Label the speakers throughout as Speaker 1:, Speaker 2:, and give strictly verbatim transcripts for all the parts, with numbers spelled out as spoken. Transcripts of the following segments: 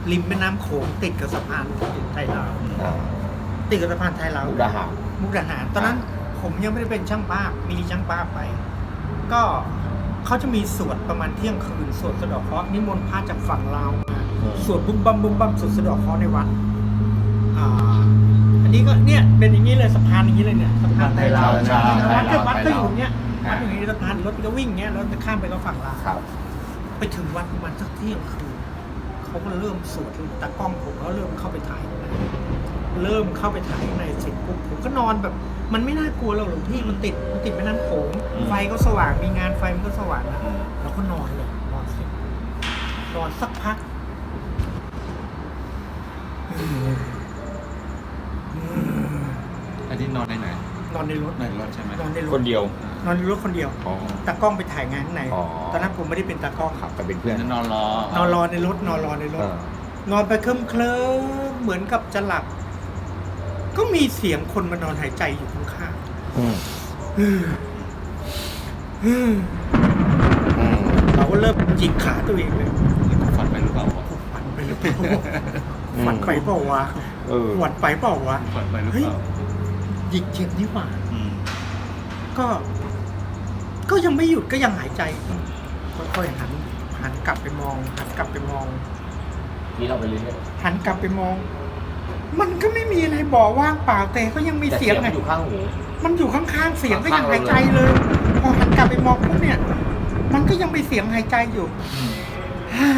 Speaker 1: ริมแม่น้ำโขงติดกับสะพานไทยลาว
Speaker 2: อ่า
Speaker 1: ติดกับสะพานไทยลาว
Speaker 2: มุกดาหาร
Speaker 1: มุกดาหารตอนนั้นผมยังไม่ได้เป็นช่างภาพมีช่างภาพไป ก็เขาจะมีสวดประมาณเที่ยงคืนสวดสะเดาะเคราะห์นิมนต์พระจากฝั่งลาวมาสวดบุ้มบัมบุ้มบัมสวดสะเดาะเคราะห์ในวัดอ่าอันนี้ก็เนี่ยเป็นอย่างนี้เลยสะพานอย่างนี้เลยเนี่ยสะพานไทยลาว
Speaker 2: ใช่ใช่
Speaker 1: วัดก็วัดก็
Speaker 2: ไทย
Speaker 1: อ
Speaker 2: ลาว
Speaker 1: ยู่เนี้ยวัดอยู่ในสะพานรถก็วิ่งเนี้ยแล้วจะข้ามไปก็ฝั่งลาว
Speaker 2: ครับ
Speaker 1: ไปถึงวัดประมาณสักเที่ยงคืนเขาก็เริ่มสวดตากล้องผมก็เริ่มเข้าไปถ่ายข้างในเริ่มเข้าไปถ่ายข้างในเสร็จปุ๊บผมก็นอนแบบ มันไม่น่ากลัวหรอกหลวงพี่มันติดมันติดแม่น้ำโขงไฟก็สว่างมีงานไฟมันก็สว่างนะเราก็นอนเลยนอนเสร็จนอนสักพัก
Speaker 3: อันนี้นอนในไหน
Speaker 1: นอนในรถ
Speaker 3: ในรถใช่ไหม
Speaker 1: นอนในรถ
Speaker 2: คนเดียว
Speaker 1: นอนในรถคนเดียว
Speaker 2: อ๋อ
Speaker 1: ตากล้องไปถ่ายงานข้างใน
Speaker 2: อ๋อ
Speaker 1: ตอนนั้นผมไม่ได้เป็นตากล้อง
Speaker 2: ขับแต่เป็นเพื่อน
Speaker 3: นอนรอน
Speaker 1: อนรอในรถนอนรอในร
Speaker 2: เอ
Speaker 1: ถ
Speaker 2: อน
Speaker 1: อนไปเคลิ้มเคลิ้มเหมือนกับจะหลับ ก็มีเสียงคนมานอนหายใจอยู่ข้าง
Speaker 2: อืม
Speaker 1: ๆอืมอืม
Speaker 2: อืม
Speaker 1: เราก็เริ่มจิกขาตัวเองเลย
Speaker 3: ฝันไปหรือเปล่าวะ
Speaker 1: ฝันไปหรือเปล่าฝันไปเปล่าวะ
Speaker 2: เออ
Speaker 1: ฝันไปเปล่าวะ
Speaker 3: ฝันไปหรือ
Speaker 1: เฮ้ย
Speaker 3: เปล่า
Speaker 1: หยิกเจ็บนี่หว่า
Speaker 3: อืม
Speaker 1: ก็ ก็ยังไม่หยุดก็ยังหายใจค่อยๆหันหันกลับไปมอง หันกลับไปมอง
Speaker 2: นี่เราไปเรื่อย
Speaker 1: หันกลับไปมอง มันก็ไม่มีอะไรบอกว่างเปล่าแต่ก็ยังมี
Speaker 2: ๆแต่
Speaker 1: เสี
Speaker 2: เสี
Speaker 1: ย
Speaker 2: ย
Speaker 1: ง
Speaker 2: ง
Speaker 1: ไง
Speaker 2: มันอยู่ข้างหู
Speaker 1: มันอยู่ข้างๆเสียงก็ยัง
Speaker 2: ข้างๆ
Speaker 1: หายใจเลย พอหันกลับไปมองปุ๊บเนี่ย มันก็ยังมีเสียงหายใจอยู่ฮ่า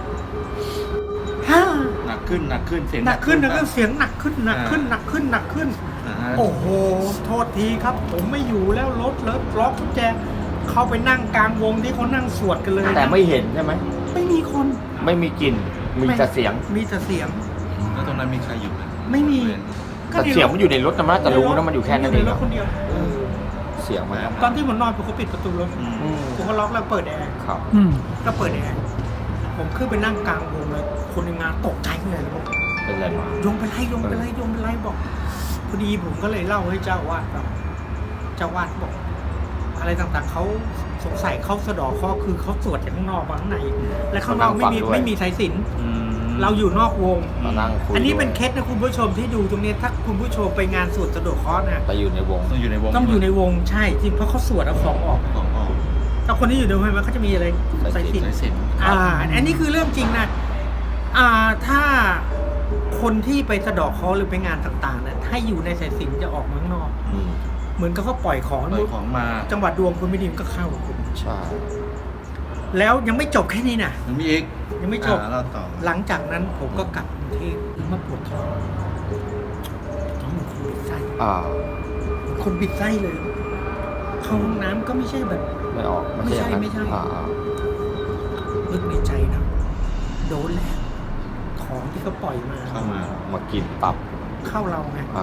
Speaker 1: ฮ่า
Speaker 3: หนักขึ้นหนักขึ้นเสียง
Speaker 1: หนักขึ้นหนักขึ้นเสียงหนักขึ้นหนักขึ้นหนักขึ้นหนักขึ้น
Speaker 3: อ่า
Speaker 1: โอ้โห โทษทีครับ ผมไม่อยู่แล้วรถเลิฟล็อกกุญแจเข้าไปนั่งกลางวงที่เขานั่งสวดกันเลย
Speaker 2: แต่ไม่เห็นใช่ไหม
Speaker 1: ไม่มีคน
Speaker 2: ไม่มีกลิ่นมีแต่เสียง
Speaker 1: มีแต่เสียง
Speaker 3: แล้วตรงนั้นมีใครอยู่ไหม
Speaker 1: ไม่มี
Speaker 2: แต่เสียงมันอยู่ในรถนะมันจะรู้นะมันอยู่แค่นั้นเอง
Speaker 1: ในรถคนเดียว
Speaker 2: เสียงมัน
Speaker 1: ตอนที่ผมนอนผมก็ปิดประตูรถ
Speaker 3: อืม
Speaker 2: อืม
Speaker 1: ผมก็ล็อกแล้วเปิดแอร์
Speaker 2: ครับ
Speaker 1: ก็เปิดแอร์ผมขึ้นไปนั่งกลางวงเลย คนในงานตกใจเลยบอก
Speaker 2: เป็นไรมา
Speaker 1: โยมเป็นไรโยมเป็นไรโยมเป็นไรบอกพอดีผมก็เลยเล่าให้เจ้าวาดฟังเจ้าวาดบอก อะไรต่างๆเขาสงสัยเขาสะเดอกข้อคือเขาสวดจากข้างนอกมาข้างใน และข้างนอกไม่มีไม่มีสายสิญจน์
Speaker 3: อืม
Speaker 1: เราอยู่นอกวง
Speaker 2: มานั่งคุย
Speaker 1: อันนี้เป็น
Speaker 2: ด้วย
Speaker 1: เคสนะคุณผู้ชมที่ดูตรงนี้ถ้าคุณผู้ชมไปงานสวดสะเดอกข้อนะ
Speaker 2: แต่อยู่ในวง
Speaker 3: ต้องอยู่ในวง
Speaker 1: ต้องอยู่ในวงใช่จริงเพราะเขาสวดเอาของออก
Speaker 3: ของออก
Speaker 1: แต่คนที่อยู่ในวงมันเขาจะมีอะไรสายสิญจ
Speaker 3: สาย
Speaker 1: น์
Speaker 3: สิญจน์
Speaker 1: อ่า อันนี้คือเรื่องจริงนะอ่าถ้าคนที่ไปสะเดอกเคราะห์หรือไปงานต่างๆนะถ้าอยู่ในสายสิญจน์จะออกมาข้างนอก
Speaker 2: อืม
Speaker 1: เหมือนกับเขาปล่อยของ
Speaker 3: ปล่อยของมา
Speaker 1: จังหวัดดวงคุณไม่ดีมันก็เข้าคุณ
Speaker 2: ใช่
Speaker 1: แล้วยังไม่จบแค่นี้นะ
Speaker 3: มันมีอีก
Speaker 1: ยังไม่จบ
Speaker 3: อ่าเราต่อ
Speaker 1: หลังจากนั้นผมก็กลับกรุงเทพมาปวดท้องท้องเหมือนคนบิดไส้
Speaker 2: อ่า
Speaker 1: คนบิดไส้เลย เข้าห้องน้ำก็ไม่ใช่แบบ
Speaker 2: ไม่ออก
Speaker 1: ไม่ใช่
Speaker 2: อย่างนั้น
Speaker 1: ไม่ใช่
Speaker 2: อ่า
Speaker 1: นึกในใจนะโดนแล้วของที่เขาปล่อยมา
Speaker 3: เข้ามา
Speaker 2: มากินตับ
Speaker 1: เข้าเราไง
Speaker 2: อ่า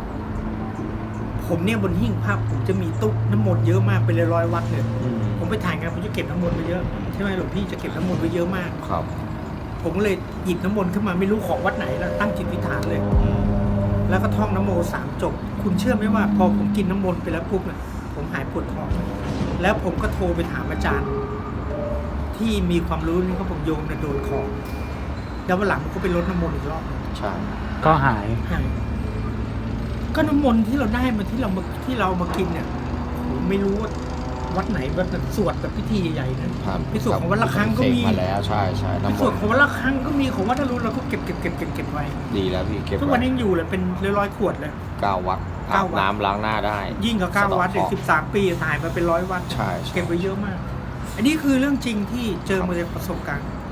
Speaker 1: ผมเนี่ยบนหิ้งภาพผมจะมีตุ๊กน้ำมนต์เยอะมากเป็นร้อยๆวัดเลย
Speaker 2: อืม
Speaker 1: ผมไปถ่ายงานผมจะเก็บน้ำมนต์ไว้เยอะใช่ไหมหลวงพี่จะเก็บน้ำมนต์ไว้เยอะมาก
Speaker 2: ครับ
Speaker 1: ผมก็เลยหยิบน้ำมนต์ขึ้นมาไม่รู้ของวัดไหนแล้วตั้งจิตวิฐานเลย
Speaker 3: อืม
Speaker 1: แล้วก็ท่องน้ำโมสามจบ คุณเชื่อไหมว่า พอผมกินน้ำมนต์ไปแล้วปุ๊บเนี่ยผมหายปวดท้องแล้วผมก็โทรไปถามอาจารย์ ที่มีความรู้นี่เขาบอกโยมเนี่ยโดนของแล้ววันหลังผมก็ไปลดน้ำมนต์อีกรอบหนึ่ง
Speaker 2: ใช่
Speaker 4: ก็หาย
Speaker 1: หายก็น้ำมนต์ที่เราได้มาที่เรามาที่เรามากินเนี่ยผมไม่รู้ว่าวัดไหนวัดไหนสวดแบบพิธีใหญ่ๆนะ
Speaker 2: ครับ
Speaker 1: พิสูจน์ของวัดละครั้งก็มี
Speaker 2: เสมาแล้วใช่ใช่
Speaker 1: พิ
Speaker 2: น้ำม
Speaker 1: สูจ
Speaker 2: น
Speaker 1: น์
Speaker 2: ต์
Speaker 1: ของวัดละครั้งก็มีของวัดอรุณเราก็เก็บเก็บเก็บเก็บเก็บไว้
Speaker 2: ดีแล้วพี่เก็บ
Speaker 1: ทุกวันนี้ยังอยู่เลยเป็นร้อยๆขวดเลย
Speaker 2: เก้าวัด
Speaker 1: เก้า
Speaker 2: อาบ
Speaker 1: วัด
Speaker 2: น้ำล้างหน้าได้
Speaker 1: ยิ่งกว่าเก้าวัดอีกสิบสามปีถ่ายมาเป็นร้อยวัด
Speaker 2: ใช่ใช่
Speaker 1: เก็บไว้เยอะมาก อันนี้คือเรื่องจริงที่เจอมาจากประสบการณ์